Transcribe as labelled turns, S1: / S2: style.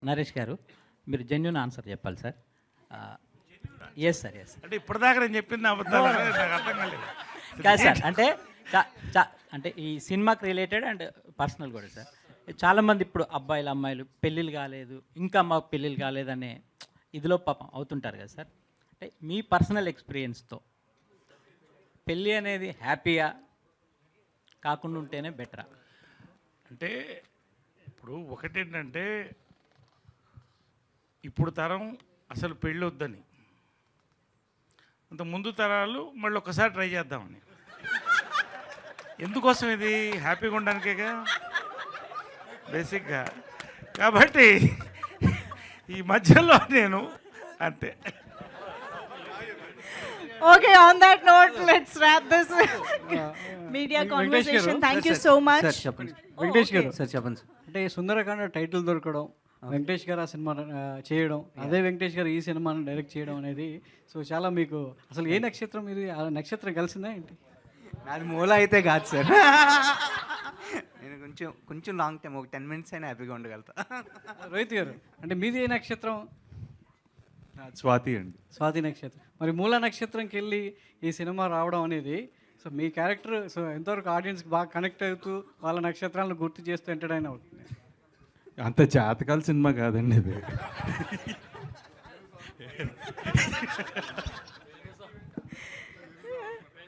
S1: నరేష్ గారు, మీరు genuine answer చెప్పాలి sir. Yes sir, yes.
S2: అంటే ఇప్పటిదాకా నేను చెప్పింది అబద్ధాలు అనేది నాకు అర్థం కాలేదు.
S1: కాదు సార్, అంటే అంటే ఈ సినిమాకి రిలేటెడ్ అండ్ పర్సనల్ కూడా సార్. చాలామంది ఇప్పుడు అబ్బాయిలు అమ్మాయిలు పెళ్ళిళ్ళు కాలేదు, ఇంకా మాకు పెళ్ళిళ్ళు కాలేదనే ఇదిలో పాపం అవుతుంటారు కదా సార్. అంటే మీ పర్సనల్ ఎక్స్పీరియన్స్తో పెళ్ళి అనేది హ్యాపీగా కాకుండా ఉంటేనే బెటరా?
S2: అంటే ఇప్పుడు ఒకటేంటంటే ఇప్పుడు తరం అసలు పెళ్ళి వద్దని, అంత ముందు తరాలు మళ్ళీ ఒక్కసారి ట్రై చేద్దామని. ఎందుకోసం ఇది హ్యాపీగా ఉండడానికేగా బేసిక్గా. కాబట్టి ఈ మధ్యలో నేను అంతే.
S3: Okay, on that note, let's wrap this media conversation. Thank you so much.
S4: Sir చెప్పండి. వెంకటేష్ గారు
S3: okay.
S4: సార్ చెప్పండి సార్. అంటే సుందరకాండ టైటిల్ దొరకడం, వెంకటేష్ గారు ఆ సినిమా చేయడం, అదే వెంకటేష్ గారు ఈ సినిమాను డైరెక్ట్ చేయడం అనేది సో చాలా మీకు అసలు ఏ నక్షత్రం ఇది? ఆ నక్షత్రం కలిసిందా ఏంటి?
S5: నాది మూల అయితే కాదు సార్. నేను కొంచెం లాంగ్ టైం, ఒక 10 minutes అయినా హ్యాపీగా ఉండగలుగుతా.
S4: రోహిత్ గారు, అంటే మీది ఏ నక్షత్రం?
S6: స్వాతి అండి.
S4: స్వాతి నక్షత్రం. మరి మూల నక్షత్రంకి వెళ్ళి ఈ సినిమా రావడం అనేది సో మీ క్యారెక్టర్ సో ఎంతవరకు ఆడియన్స్కి బాగా కనెక్ట్ అవుతూ వాళ్ళ నక్షత్రాలను గుర్తు చేస్తూ ఎంటర్టైన్ అవుతుంది?
S6: అంత జాతకాల సినిమా కాదండి ఇది.